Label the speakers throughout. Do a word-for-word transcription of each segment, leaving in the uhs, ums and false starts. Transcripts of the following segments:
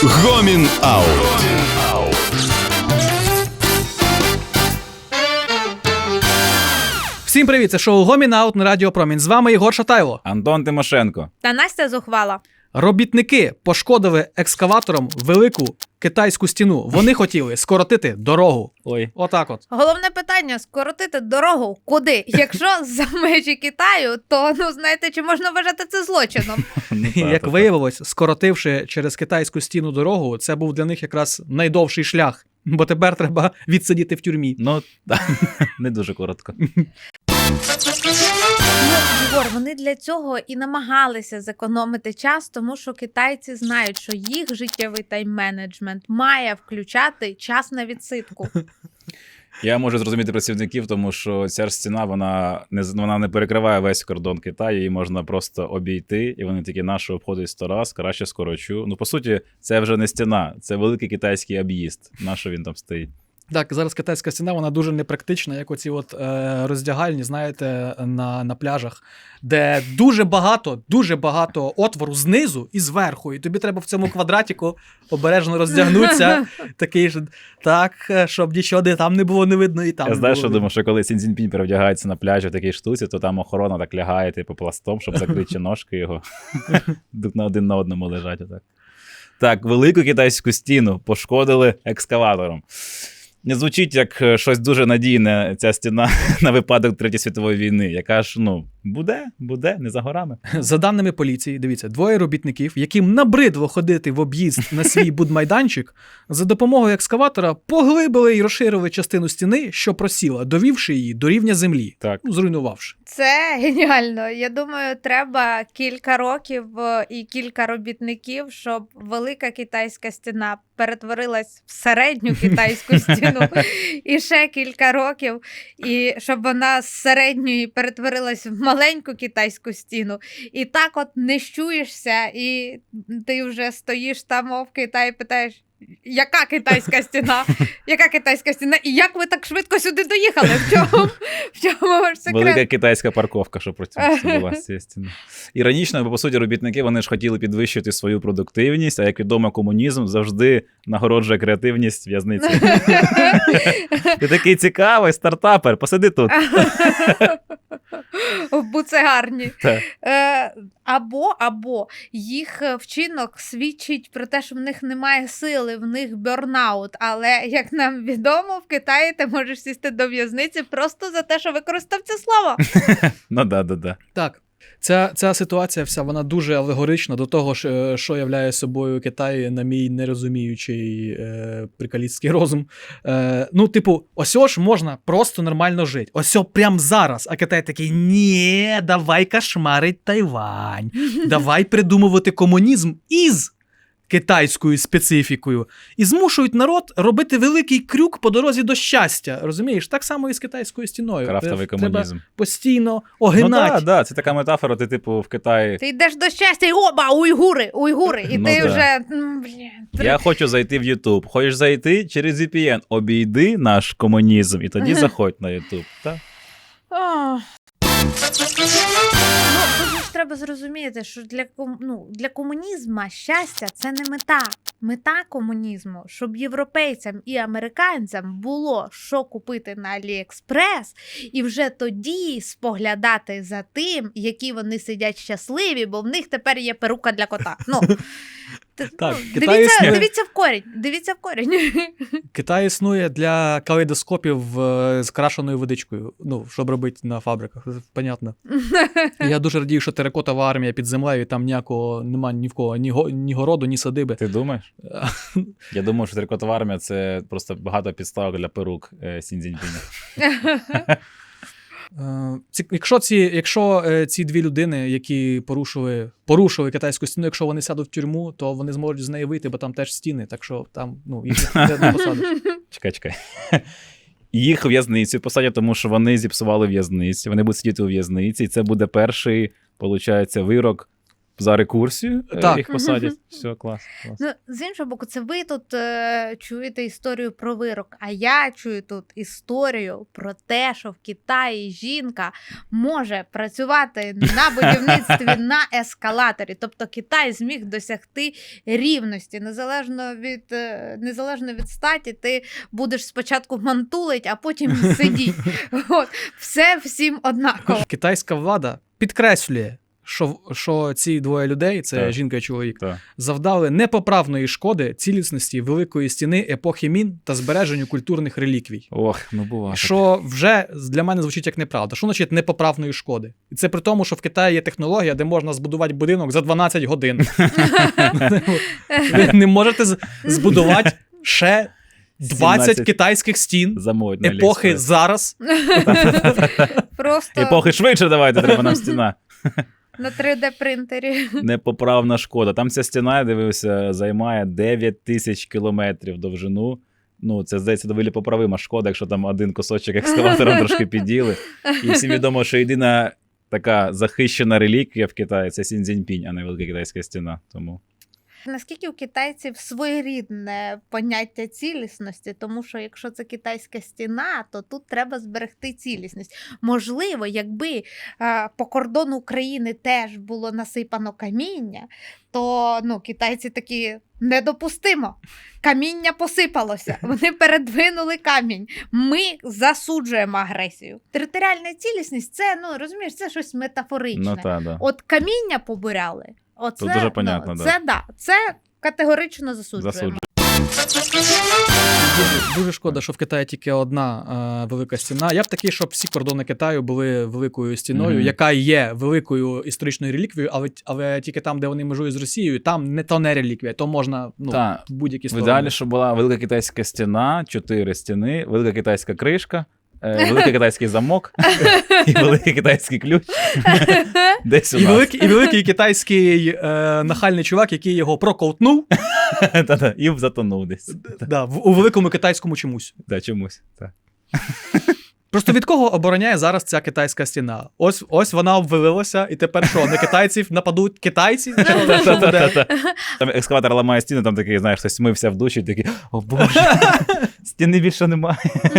Speaker 1: Гомін Аут.
Speaker 2: Всім привіт, це шоу Гомін Аут на Радіо Промінь. З вами Єгор Шатайло.
Speaker 3: Антон Тимошенко.
Speaker 4: Та Настя Зухвала.
Speaker 2: Робітники пошкодили екскаватором велику китайську стіну. Вони хотіли скоротити дорогу.
Speaker 3: Ой.
Speaker 2: Отак от.
Speaker 4: Головне питання – скоротити дорогу куди? Якщо за межі Китаю, то, ну, знаєте, чи можна вважати це злочином?
Speaker 2: Як виявилось, скоротивши через китайську стіну дорогу, це був для них якраз найдовший шлях. Бо тепер треба відсидіти в тюрмі.
Speaker 3: Ну, не дуже коротко.
Speaker 4: Ну, Єгор, вони для цього і намагалися зекономити час, тому що китайці знають, що їх життєвий тайм-менеджмент має включати час на відсидку.
Speaker 3: Я можу зрозуміти працівників, тому що ця ж стіна, вона не, вона не перекриває весь кордон Китаю, її можна просто обійти, і вони такі, наші обходять сто раз, краще скорочу. Ну, по суті, це вже не стіна, це великий китайський об'їзд. На що він там стоїть?
Speaker 2: Так, зараз китайська стіна, вона дуже непрактична, як оці от е, роздягальні, знаєте, на, на пляжах, де дуже багато, дуже багато отвору знизу і зверху, і тобі треба в цьому квадратику обережно роздягнутися, такий ж, так, щоб нічого де там не було, не видно, і там
Speaker 3: Я
Speaker 2: не
Speaker 3: знаю,
Speaker 2: було.
Speaker 3: що думаю, що коли Сі Цзіньпінь перевдягається на пляжі в такій штуці, то там охорона так лягає, типу, пластом, щоб закрити ножки його. на один на одному лежать отак. Так, велику китайську стіну пошкодили екскаватором. Не звучить як щось дуже надійне ця стіна на випадок Третьої світової війни, яка ж, ну, буде, буде, не за горами.
Speaker 2: За даними поліції, дивіться, двоє робітників, яким набридло ходити в об'їзд на свій будмайданчик, за допомогою екскаватора поглибили і розширили частину стіни, що просіла, довівши її до рівня землі,
Speaker 3: Так.
Speaker 2: ну, зруйнувавши.
Speaker 4: Це геніально. Я думаю, треба кілька років е, і кілька робітників, щоб велика китайська стіна перетворилась в середню китайську стіну. І ще кілька років, і щоб вона з середньої перетворилась в маленьку китайську стіну. І так от не щуєшся, і ти вже стоїш там в Китаї і питаєш, яка китайська стіна? Яка китайська стіна? І як ви так швидко сюди доїхали? В чому, в чому ваш секрет?
Speaker 3: Велика китайська парковка, що потім була з цієї стіни. Іронічно, бо, по суті, робітники, вони ж хотіли підвищити свою продуктивність, а як відомо, комунізм завжди нагороджує креативність в'язниці. Ти такий цікавий стартапер, посиди тут.
Speaker 4: В буцегарні.
Speaker 3: Так.
Speaker 4: Е, або, або їх вчинок свідчить про те, що в них немає сили, в них бёрнаут. Але, як нам відомо, в Китаї ти можеш сісти до в'язниці просто за те, що використав це слово.
Speaker 3: Ну, да, да, да.
Speaker 2: Так, ця, ця ситуація вся, вона дуже алегорична до того, що, що являє собою Китай, на мій нерозуміючий е, прикалістський розум. Е, ну, типу, осьо ж можна просто нормально жити. Осьо прям зараз. А Китай такий, ні, давай кошмарить Тайвань. Давай придумувати комунізм із китайською специфікою. І змушують народ робити великий крюк по дорозі до щастя. Розумієш? Так само і з китайською стіною.
Speaker 3: Крафтовий
Speaker 2: Треба
Speaker 3: комунізм.
Speaker 2: постійно
Speaker 3: Ну,
Speaker 2: огинати.
Speaker 3: да, да, це така метафора, ти, типу, в Китаї.
Speaker 4: Ти йдеш до щастя і оба, уйгури, уйгури. І
Speaker 3: Ну,
Speaker 4: ти
Speaker 3: да.
Speaker 4: вже, м, блін, три-
Speaker 3: Я хочу зайти в YouTube. Хочеш зайти через ві пі ен? Обійди наш комунізм і тоді заходь на YouTube. Так?
Speaker 4: О. Ну, тут ж треба зрозуміти, що для, ком... ну, для комунізму щастя – це не мета. Мета комунізму, щоб європейцям і американцям було що купити на Аліекспрес, і вже тоді споглядати за тим, які вони сидять щасливі, бо в них тепер є перука для кота. Ну, т-
Speaker 2: Так,
Speaker 4: ну,
Speaker 2: Китай
Speaker 4: дивіться,
Speaker 2: існує.
Speaker 4: дивіться в корінь, дивіться в корінь.
Speaker 2: Китай існує для калейдоскопів е, з крашеною водичкою, ну, щоб робити на фабриках, це понятно. Я дуже радію, що теракотова армія під землею, і там ніякого нема ні в кого, ні, го, ні городу, ні садиби.
Speaker 3: Ти думаєш? Я думаю, що трикотова армія – це просто багато підставок для перук е, Сі Цзіньпіня.
Speaker 2: Е, ці, якщо ці, якщо е, ці дві людини, які порушили, порушили китайську стіну, якщо вони сядуть в тюрму, то вони зможуть з неї вийти, бо там теж стіни, так що там, ну, їх не, не посадиш.
Speaker 3: Чекай, чекай. Їх в в'язницю посадять, тому що вони зіпсували в'язницю, вони будуть сидіти у в'язниці, і це буде перший, виходить, вирок за рекурсію е,
Speaker 2: Так.
Speaker 3: їх посадять. Все, клас. клас.
Speaker 4: Ну, з іншого боку, це ви тут е, чуєте історію про вирок, а я чую тут історію про те, що в Китаї жінка може працювати на будівництві на ескалаторі. Тобто Китай зміг досягти рівності. Незалежно від, е, незалежно від статі, ти будеш спочатку мантулить, а потім сидіть. От. Все всім однаково.
Speaker 2: Китайська влада підкреслює, що, що ці двоє людей, це
Speaker 3: Так.
Speaker 2: жінка і чоловік,
Speaker 3: Так.
Speaker 2: завдали непоправної шкоди цілісності Великої стіни епохи Мін та збереженню культурних реліквій.
Speaker 3: Ох, ну буває.
Speaker 2: Що вже для мене звучить як неправда. Що значить непоправної шкоди? І це при тому, що в Китаї є технологія, де можна збудувати будинок за дванадцять годин. Ви не можете з- збудувати ще двадцять
Speaker 3: сімнадцять
Speaker 2: китайських стін
Speaker 3: Замовить на
Speaker 2: епохи
Speaker 3: AliExpress.
Speaker 2: зараз.
Speaker 4: Просто
Speaker 3: Епохи швидше давайте, треба нам стіна.
Speaker 4: на три де принтері.
Speaker 3: Непоправна шкода. Там ця стіна, я дивився, займає дев'ять тисяч кілометрів довжину. Ну, це, здається, доволі поправима шкода, якщо там один кусочок екскаватором трошки піділи. І всім відомо, що єдина така захищена реліквія в Китаї – це Сіньцзіньпінь, а не Велика Китайська стіна. Тому
Speaker 4: Наскільки у китайців своєрідне поняття цілісності, тому що якщо це китайська стіна, то тут треба зберегти цілісність. Можливо, якби а, по кордону України теж було насипано каміння, то ну, китайці такі недопустимо. Каміння посипалося, вони передвинули камінь. Ми засуджуємо агресію. Територіальна цілісність – це, ну, розумієш, це щось метафоричне.
Speaker 3: ну та, да.
Speaker 4: От каміння побуряли. Оце,
Speaker 3: Тут дуже понятно,
Speaker 4: ну,
Speaker 3: да.
Speaker 4: це, да, це категорично засуджуємо.
Speaker 3: Засуджую.
Speaker 2: Дуже, дуже шкода, що в Китаї тільки одна е, велика стіна. Я б такий, щоб всі кордони Китаю були великою стіною,
Speaker 3: Мгм.
Speaker 2: яка є великою історичною реліквією, але, але тільки там, де вони межують з Росією, там не то не реліквія, то можна ну,
Speaker 3: Та,
Speaker 2: в будь-які
Speaker 3: в
Speaker 2: сторони.
Speaker 3: ідеалі, щоб була Велика Китайська стіна, чотири стіни, Велика Китайська кришка, е, Великий Китайський замок і Великий Китайський ключ. Десь у
Speaker 2: І
Speaker 3: нас.
Speaker 2: великий, і великий китайський е, нахальний чувак, який його проковтнув
Speaker 3: Та-та, і затонув десь.
Speaker 2: да, в, у великому китайському чомусь.
Speaker 3: Та, чомусь. Та.
Speaker 2: Просто від кого обороняє зараз ця китайська стіна? Ось, ось вона обвалилася, і тепер що, на китайців нападуть китайці? Що, що буде?
Speaker 3: Та-та-та-та. Там екскаватор ламає стіну, там такий, знаєш, хтось мився в душі, такий, о боже, стіни більше немає.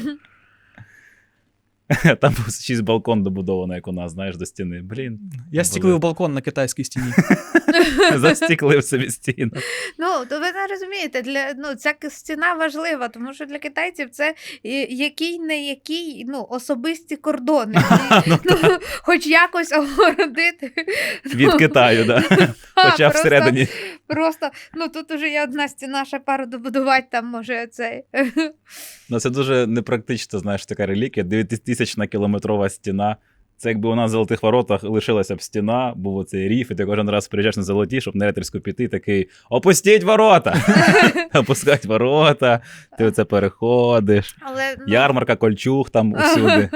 Speaker 3: Там був шість балкон добудовано, як у нас, знаєш, до стіни. Блін,
Speaker 2: Я стіклив балкон на китайській стіні.
Speaker 3: застіклив собі стіну.
Speaker 4: Ну, то ви не розумієте, для, ну, ця к- стіна важлива, тому що для китайців це і- який не який, ну, особисті кордони. І, ну, хоч якось огородити.
Speaker 3: Від Китаю, да.
Speaker 4: А,
Speaker 3: Хоча
Speaker 4: просто-
Speaker 3: всередині.
Speaker 4: Просто, ну, тут уже є одна стіна, ще пару добудувати, там, може, цей.
Speaker 3: Ну, це дуже непрактично, знаєш, така реліквія. дев'ятитисячна кілометрова стіна. Це якби у нас в Золотих Воротах лишилася б стіна, був оцей ріф, і ти кожен раз приїжджаєш на Золоті, щоб на Рейтерську піти, такий «Опустіть ворота!» Опускають ворота, ти оце переходиш.
Speaker 4: Але, ну,
Speaker 3: Ярмарка, кольчуг там усюди.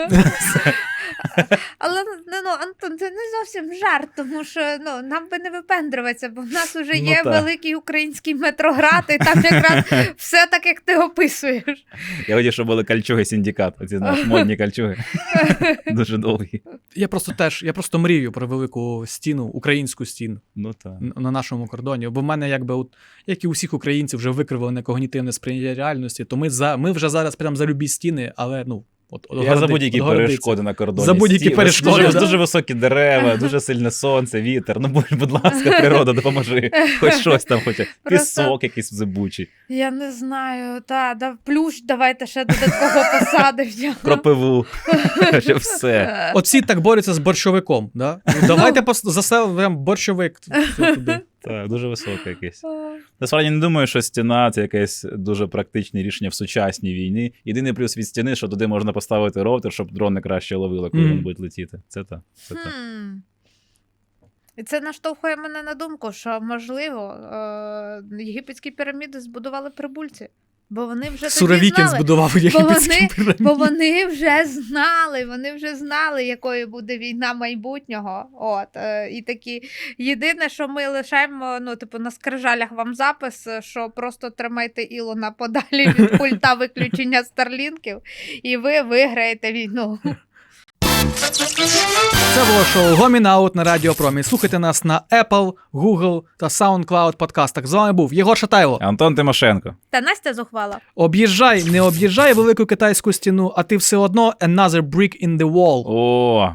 Speaker 4: але ну, ну, Антон, це не зовсім жарт, тому що ну, нам би не випендрюватися, бо в нас вже
Speaker 3: Ну,
Speaker 4: є
Speaker 3: так.
Speaker 4: великий український метроград, і там якраз все так, як ти описуєш.
Speaker 3: Я хотів, щоб були кольчуги синдикат, оці, знаєш, модні кольчуги. Дуже довгі.
Speaker 2: Я просто теж, я просто мрію про велику стіну, українську стіну
Speaker 3: Ну так.
Speaker 2: н- на нашому кордоні. Бо в мене, якби, от, як і у всіх українців, вже викривлене когнітивне сприйняття реальності, то ми, за, ми вже зараз прямо за любі стіни, але ну, от, от,
Speaker 3: Я за
Speaker 2: огороди-
Speaker 3: будь-які
Speaker 2: отгородиться.
Speaker 3: перешкоди на кордоні.
Speaker 2: За будь-які
Speaker 3: Стіни,
Speaker 2: перешкоди,
Speaker 3: Дуже,
Speaker 2: да.
Speaker 3: дуже високі дерева, дуже сильне сонце, вітер. Ну, будь, будь ласка, природа, допоможи. Хоч щось там, хоч пісок якийсь зибучий,
Speaker 4: Я не знаю, та, да, плющ давайте ще додатково посадимо.
Speaker 3: кропиву, ще все.
Speaker 2: От всі так борються з борщовиком. Да? Ну, давайте пос- заселимо борщовик все туди.
Speaker 3: Так, дуже високе якесь. Насправді не думаю, що стіна це якесь дуже практичне рішення в сучасній війні. Єдиний плюс від стіни, що туди можна поставити роутер, щоб дрони краще ловили, коли
Speaker 2: Мгм.
Speaker 3: він буде летіти. Це так. Це так.
Speaker 4: Хм. І це наштовхує мене на думку, що, можливо, е- єгипетські піраміди збудували прибульці. Бо вони вже тоді
Speaker 2: Суровікін
Speaker 4: знали.
Speaker 2: збудував
Speaker 4: Бо
Speaker 2: єгипетські
Speaker 4: вони,
Speaker 2: піраміди.
Speaker 4: бо вони вже знали, вони вже знали, якою буде війна майбутнього. От, е, і такі, єдине, що ми лишаємо, ну, типу, на скрижалях вам запис, що просто тримайте Ілона подалі від пульта виключення старлінків, і ви виграєте війну.
Speaker 2: Це було шоу Гомін Аут на Радіо Промі. Слухайте нас на Apple, Google та SoundCloud подкастах. З вами був Єгор Шатайло.
Speaker 3: Антон Тимошенко.
Speaker 4: Та Настя Зухвала.
Speaker 2: Об'їжджай, не об'їжджай велику китайську стіну, а ти все одно another brick in the wall.
Speaker 3: О,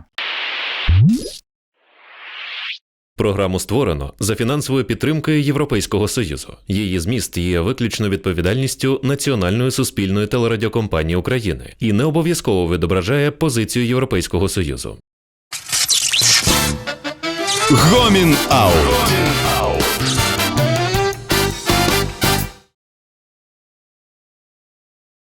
Speaker 1: Програму створено за фінансовою підтримкою Європейського Союзу. Її зміст є виключно відповідальністю Національної суспільної телерадіокомпанії України і не обов'язково відображає позицію Європейського Союзу. Гомін Аут.